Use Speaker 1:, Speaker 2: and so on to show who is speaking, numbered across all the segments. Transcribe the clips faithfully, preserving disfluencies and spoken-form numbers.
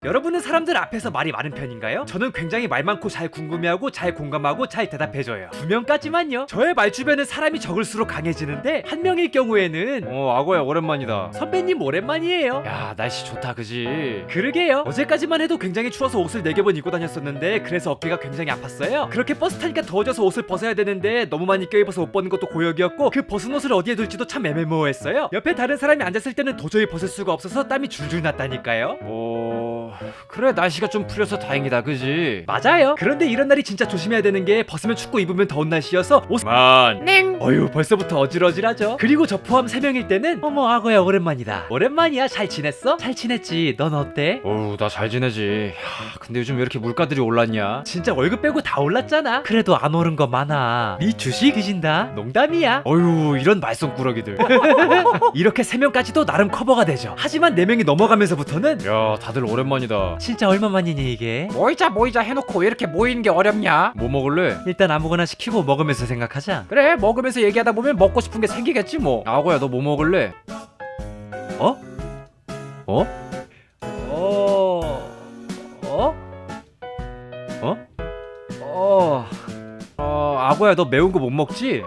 Speaker 1: 여러분은 사람들 앞에서 말이 많은 편인가요? 저는 굉장히 말 많고 잘 궁금해하고 잘 공감하고 잘 대답해줘요. 두 명까지만요. 저의 말 주변은 사람이 적을수록 강해지는데 한 명일 경우에는
Speaker 2: 어 악어야 오랜만이다.
Speaker 1: 선배님 오랜만이에요.
Speaker 2: 야 날씨 좋다 그지?
Speaker 1: 그러게요. 어제까지만 해도 굉장히 추워서 옷을 네 개 번 입고 다녔었는데 그래서 어깨가 굉장히 아팠어요. 그렇게 버스 타니까 더워져서 옷을 벗어야 되는데 너무 많이 껴입어서 옷 벗는 것도 고역이었고 그 벗은 옷을 어디에 둘지도 참 애매모호했어요. 옆에 다른 사람이 앉았을 때는 도저히 벗을 수가 없어서 땀이 줄줄 났다니까요.
Speaker 2: 뭐 그래 날씨가 좀 풀려서 다행이다 그지?
Speaker 1: 맞아요. 그런데 이런 날이 진짜 조심해야 되는 게 벗으면 춥고 입으면 더운 날씨여서 옷
Speaker 2: 만
Speaker 1: 냉 어휴 벌써부터 어질어질하죠. 그리고 저 포함 세 명일 때는 어머 악어야 오랜만이다. 오랜만이야. 잘 지냈어? 잘 지냈지. 넌 어때?
Speaker 2: 어우 나 잘 지내지. 야, 근데 요즘 왜 이렇게 물가들이 올랐냐?
Speaker 1: 진짜 월급 빼고 다 올랐잖아. 그래도 안 오른 거 많아. 네 주식 뒤진다. 농담이야.
Speaker 2: 어휴 이런 말썽꾸러기들.
Speaker 1: 이렇게 세 명까지도 나름 커버가 되죠. 하지만 네 명이 넘어가면서부터는
Speaker 2: 야 다들 오랜만이다.
Speaker 1: 진짜 얼마만이니 이게?
Speaker 3: 모이자 모이자 해놓고 왜 이렇게 모이는 게 어렵냐?
Speaker 2: 뭐 먹을래?
Speaker 1: 일단 아무거나 시키고 먹으면서 생각하자.
Speaker 3: 그래 먹으면서 얘기하다 보면 먹고 싶은 게 생기겠지 뭐.
Speaker 2: 악어야 너 뭐 먹을래?
Speaker 1: 어?
Speaker 2: 어?
Speaker 1: 어? 어?
Speaker 2: 어?
Speaker 1: 어?
Speaker 2: 어 악어야 너 매운 거 못 먹지?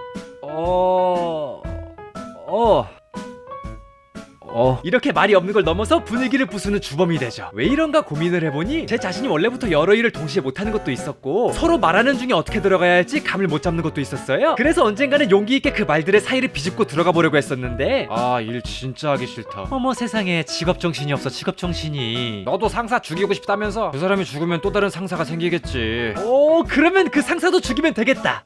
Speaker 1: 어? 어? 어. 이렇게 말이 없는 걸 넘어서 분위기를 부수는 주범이 되죠. 왜 이런가 고민을 해보니 제 자신이 원래부터 여러 일을 동시에 못하는 것도 있었고 서로 말하는 중에 어떻게 들어가야 할지 감을 못 잡는 것도 있었어요. 그래서 언젠가는 용기 있게 그 말들의 사이를 비집고 들어가 보려고 했었는데
Speaker 2: 아 일 진짜 하기 싫다.
Speaker 1: 어머 세상에 직업 정신이 없어. 직업 정신이.
Speaker 2: 너도 상사 죽이고 싶다면서? 그 사람이 죽으면 또 다른 상사가 생기겠지.
Speaker 1: 오 그러면 그 상사도 죽이면 되겠다.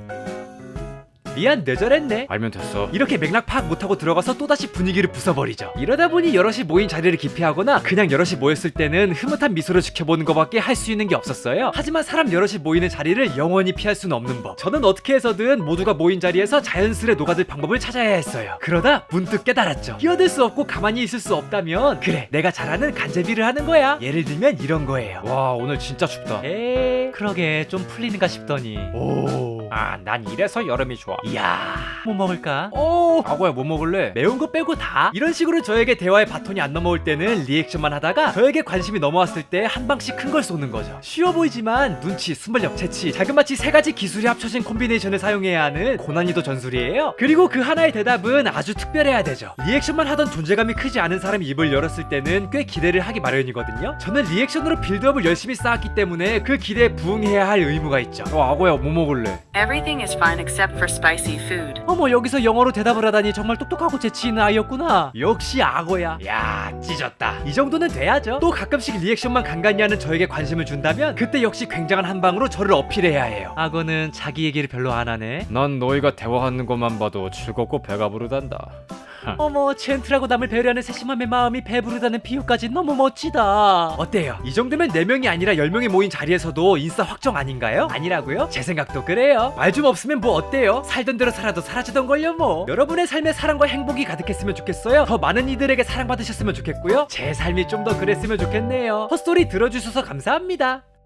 Speaker 1: 미안 뇌절했네.
Speaker 2: 알면 됐어.
Speaker 1: 이렇게 맥락 파악 못하고 들어가서 또다시 분위기를 부숴버리죠. 이러다 보니 여럿이 모인 자리를 기피하거나 그냥 여럿이 모였을 때는 흐뭇한 미소를 지켜보는 것밖에 할 수 있는 게 없었어요. 하지만 사람 여럿이 모이는 자리를 영원히 피할 수는 없는 법. 저는 어떻게 해서든 모두가 모인 자리에서 자연스레 녹아들 방법을 찾아야 했어요. 그러다 문득 깨달았죠. 끼어들 수 없고 가만히 있을 수 없다면 그래 내가 잘하는 간제비를 하는 거야. 예를 들면 이런 거예요.
Speaker 2: 와 오늘 진짜 춥다.
Speaker 1: 에이 그러게 좀 풀리는가 싶더니
Speaker 2: 오.
Speaker 3: 아 난 이래서 여름이 좋아.
Speaker 1: 이야 뭐 먹을까?
Speaker 2: 오. 악어야 뭐 먹을래?
Speaker 1: 매운 거 빼고 다 이런 식으로 저에게 대화의 바톤이 안 넘어올 때는 리액션만 하다가 저에게 관심이 넘어왔을 때 한 방씩 큰 걸 쏘는 거죠. 쉬워 보이지만 눈치, 순발력, 재치, 자그마치 세 가지 기술이 합쳐진 콤비네이션을 사용해야 하는 고난이도 전술이에요. 그리고 그 하나의 대답은 아주 특별해야 되죠. 리액션만 하던 존재감이 크지 않은 사람이 입을 열었을 때는 꽤 기대를 하기 마련이거든요. 저는 리액션으로 빌드업을 열심히 쌓았기 때문에 그 기대에 부응해야 할 의무가 있죠.
Speaker 2: 어 악어야 뭐 먹을래?
Speaker 4: Everything is fine except for spicy food.
Speaker 1: 어머 여기서 영어로 대답을 하다니 정말 똑똑하고 재치 있는 아이였구나. 역시 악어야. 야 찢었다. 이 정도는 돼야죠. 또 가끔씩 리액션만 간간히 하는 저에게 관심을 준다면 그때 역시 굉장한 한 방으로 저를 어필해야 해요. 악어는 자기 얘기를 별로 안 하네.
Speaker 2: 난 너희가 대화하는 것만 봐도 즐겁고 배가 부르단다.
Speaker 1: 어머 젠틀하고 남을 배려하는 세심함의 마음이 배부르다는 비유까지 너무 멋지다. 어때요? 이 정도면 네 명이 아니라 열 명이 모인 자리에서도 인싸 확정 아닌가요? 아니라고요? 제 생각도 그래요. 말 좀 없으면 뭐 어때요? 살던 대로 살아도 사라지던걸요 뭐. 여러분의 삶에 사랑과 행복이 가득했으면 좋겠어요. 더 많은 이들에게 사랑받으셨으면 좋겠고요. 제 삶이 좀 더 그랬으면 좋겠네요. 헛소리 들어주셔서 감사합니다.